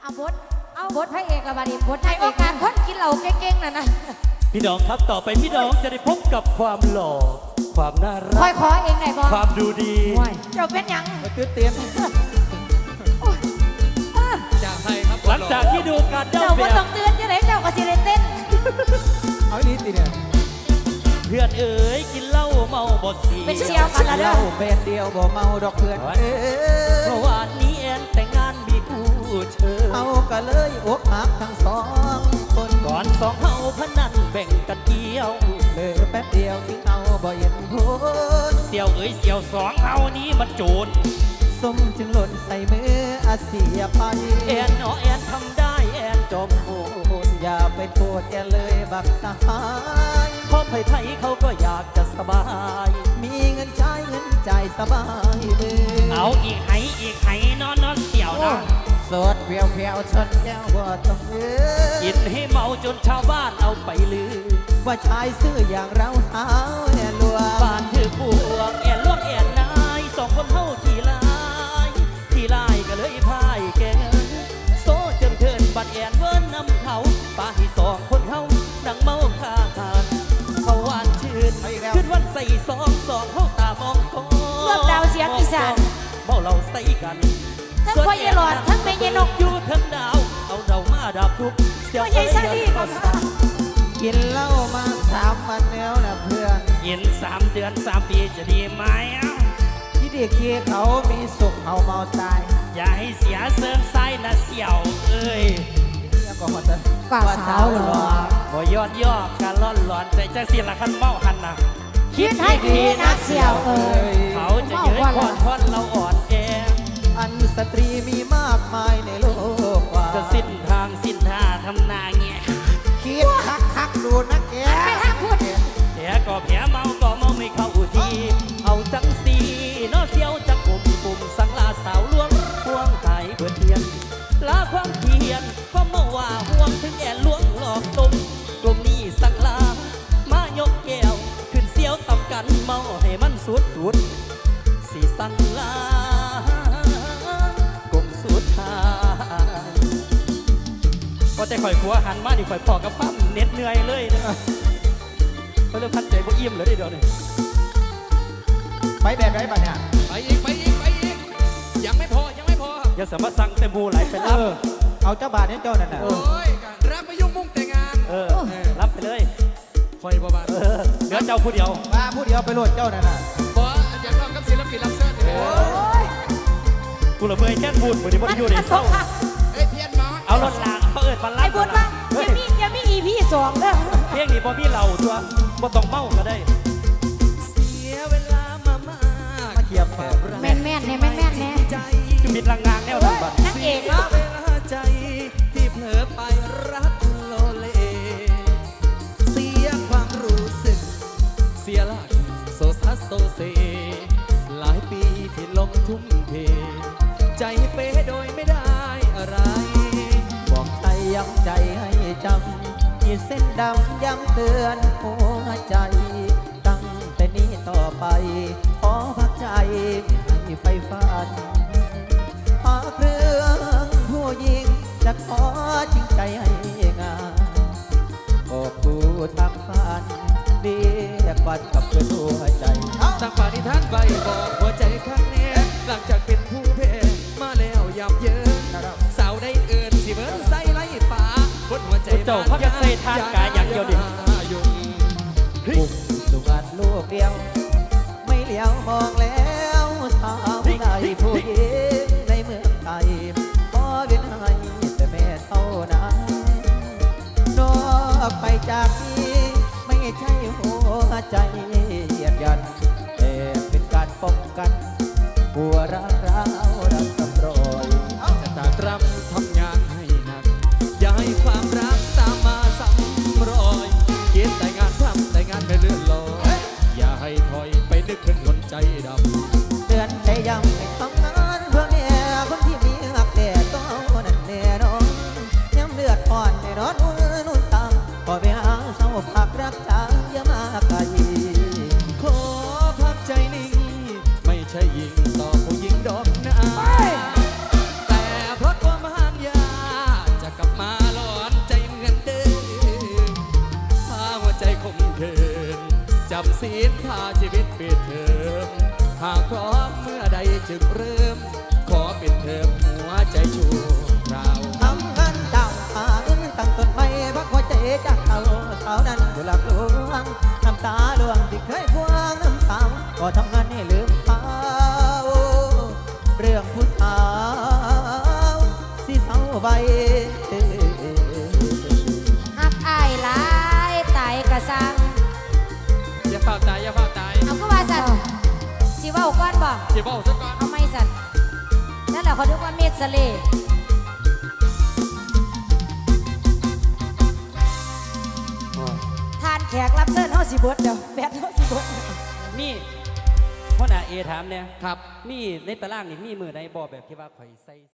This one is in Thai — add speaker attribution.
Speaker 1: เอาบทพระเอกละบาดีบทให้โอกาสคนกินเหล้าเก่งๆน่ะนะ
Speaker 2: พี่น้องครับต่อไปพี่น้องจะได้พบกับความหล่อความน่ารัก
Speaker 1: คอยขอเองไหนบอก
Speaker 2: ความดูดี
Speaker 1: เจ้าเป็นยัง
Speaker 3: ตื่นเต้น
Speaker 4: จากใครครับ
Speaker 2: หลังจากที่ดูการเด้า
Speaker 1: เจ้าต้องเตือนจะไหนเจ้าก็สิได้เต้น
Speaker 3: เอาดีตีเนี่ย
Speaker 2: เพื่อนเอ๋ยกินเหล้าเมาบ่สี
Speaker 1: เป็นเชียวกันละเด้อ
Speaker 3: เป็นเดียวบ่เมาดอกเพื่อน
Speaker 2: เมื่อวานนี้แอนแต่งงานมีผู้เชิญ
Speaker 3: เอาก็เลยอกหักทั้งสองคน
Speaker 2: ก่อนสองเฮาพนันแบ่งกันเกี่ยว
Speaker 3: เลยแป๊บเดียวทิ้งเอาบ่เห็นพ้น
Speaker 2: เสี่ยวเอ๋ยเสี่ยวสองเฮานี้มันโจร
Speaker 3: สมจึงหล่นใส่มืออาเสียไป
Speaker 2: แอนเนาะแอนทำได้แอนจอมโหด
Speaker 3: อย่าไปโทษแกเลยบักสหาย
Speaker 2: เพราะไผ่เขาก็อยากจะสบาย
Speaker 3: มีเงินใช้เงินใจสบายมือ
Speaker 2: เอาอีกไหนอนเสี่ยวนะ
Speaker 3: สดเพียวชนแก้วว่าต้อง
Speaker 2: กินให้เมาจนชาวบ้านเอาไปลือ
Speaker 3: ว่าชายซื่ออย่างเราเท้าแอนลวง
Speaker 2: บ้านถือปวงแอนลวงแอนนายสองคนเท่าที่ลายก็เลยพายแกโซเจิมเทินบัดแอนเวิร์นนำเขาป้าให้สองคนเฮาดังเมาคาหานเขาหวานชื่นขึ้นวันใส่สองเฮาตามองคอ
Speaker 1: เลือกดาวเสียงอีสาน
Speaker 2: เมาเราใส่กัน
Speaker 1: ทั้งพ่อใหญ่หลอดทั้งแม่ใหญ่นก
Speaker 2: อยู่ทั้งดาวเอาเรามาดับทุก
Speaker 1: เสียงใหญ่ซาดีก็
Speaker 3: กินเหล้ามา3 วันแล้วนะเพื่อน
Speaker 2: กิน3 เดือน3 ปีจะดีไหม
Speaker 3: ที่เด็กเกี้เขามีสุขเขาเมาตาย
Speaker 2: อย่าให้เสียเสื่อมไส้นะเสี่ยวเอ้ย
Speaker 1: ฝ่าสาวหรอ
Speaker 2: บ่ย้อนย่อการล่อนหลอนใจจังสิละคันเมาหันนะ
Speaker 1: คิดให้ดีนะเสี่ยวเอ้ย
Speaker 2: เขาจะยืนค่อนเราอ่อนแอ
Speaker 3: อันสตรีมีมากมายในโลกว่า
Speaker 2: จะสิ้นทางสิ้นท่าทำนาเงี้ย
Speaker 3: คิดคักดูนะแก
Speaker 1: ไม่ทักพูด
Speaker 2: แผลก็แผลเมาก็เมาไม่เข้าทีเอาจังสีน้อเสียวจะกลุ่มสังลาสาวล้วงห่วงไข่เพื่อเทียนลาความเพียรก็เมื่อว่าห่วงถึงแอนล้วงหลอกตุ่มกลุ่มนี้สังลามายกแก้วขึ้นเสียวต่ำกันเมาให้มันสุดสีสังลากลุ่มสุดท้ายก็ใจข่อยขัวหันมาดิข่อยพอกับปั้มเน็ดเหนื่อยเลยนะเขาเริ่มพัดใจบ่อิ่มเลยเดี๋ยวนี้
Speaker 3: ไปแบบไรบ้างเนี่ย
Speaker 4: ไปอีกยังไม่พอ
Speaker 2: อย่าสามารถสั่งเต็มบูไหลไปรับ
Speaker 3: เอาเจ้าบาทนี่เจ้านั่นน่ะ
Speaker 4: โอ้ยรับไปยุ่งมุ่งแต่งงาน
Speaker 2: รับไปเลย
Speaker 4: คอยบ้า
Speaker 2: เหลือเจ้าผู้เดียว
Speaker 3: มาผู้เดียวไปโหลดเจ้านั่นน่ะ
Speaker 4: บออยากลองกับศิลปินรับเชิญ
Speaker 2: กูละเมยแค่พูดเหมือนที่พูดอยู่ในเศร้า
Speaker 4: เพี้ยนมา
Speaker 2: เอารถลางเขาพันล้าน
Speaker 1: ไอ้บุญว่ายังมี EP 2เด้อ
Speaker 2: เพียงนี้พอพี่เราตัวบ่ต้องเมาก็ได้เสียเวลามาม
Speaker 3: าเขียบ
Speaker 1: แม่นเนี่ย
Speaker 2: คือมิดลังงางแนวนั้นบ้าง
Speaker 1: นักเอกเนาะ
Speaker 4: ใจที่เผลอไปรักโลเลเสียความรู้สึกเสียหลักโซซัสโซเซหลายปีที่ลงทุ่มเทใจเป้โดยไม่ได้อะไร
Speaker 3: บอกใจย้ำใจให้จำขีดเส้นดำย้ำเตือนหัวใจตั้งแต่นี้ต่อไปขอพักใจให้ไฟฝันหาเครื่องผู้หญิงจะขอจริงใจให้งานบอกกูตั้งฝันเรียกวันกับเพื่อนหัวใจ
Speaker 4: ตั้งปณิธานไว้บอกหัวใจข้างแน่หลังจากเป็นผู้แพ้มาแล้วยับเยินสาวได้เอินสิเบิร์นใส่ไล่ป่าบนหัวใจ
Speaker 2: เจ้าพักใส่ทานกายอย่างเดียวดิ
Speaker 3: ปุ่มสุกัดลูกเดียวไม่เลี้ยวมองแล้วสาวใดผู้หญิงในเมืองไทยพอเวียนให้แต่แม่เท่านั้นนอกไปจากนี้ไม่ใช่หัวใจเหยียดยันแต่เป็นการป้องกันหัวรักเราดังตำรอย
Speaker 4: จะตากตรำทำงานให้หนักอย่าให้ความรักตามมาซ้ำรอยคิดแต่งานทำแต่งานไม่เลื่อนลอยอย่าให้ถอยไปนึกถึงคนใจด
Speaker 3: ำเตือนใจย้ำให้ทำงานเพื่อเนี่ยคนที่มีหักแต่ตัวนั้นแน่นอนย้ำเลือดอ่อนในร้อนนุ่นตามพอไปหาเศร้าผักรักจางอย่ามาไกล
Speaker 4: ขอพักใจนิ่งไม่ใช่ยิงต่อผู้หญิงดนท่าชีวิตปิดเทอมหากพร้อมเมื่อใดจึงเริ่ม ขอปิดเทอมหัวใจชั่วคราว
Speaker 3: ทำงานต่างหาเงินตั้งต้นไม้พักหัวใจจากเต่าสาวนั้นอยู่หลักหลวงน้ำตาหลวงที่เคยพวงน้ำสาวก็ทำงานให้ลืมเขาเรื่องผู้สาวสิเศร้าใบ
Speaker 1: หักอายหลายตายกระสัง
Speaker 4: อย่าเฝ้าตายอย่าเฝ้าตาย
Speaker 1: เอาก็ว่าสันสิเว่าก่อนบ่
Speaker 4: อย่าเฝ้าซะก่อน
Speaker 1: เอาไม่สันนั่นแหละเขาเรียกว่าเมดสเลทานแขกรับเชิญเฮาสิเบิดเดี๋ยวแบดเฮาสิเบิด
Speaker 2: นี่พ่อหน้าเอถามเนี่ย
Speaker 4: ครับ
Speaker 2: มีในตารางนี่มีมือใดบ่แบบที่ว่าข่อยใส่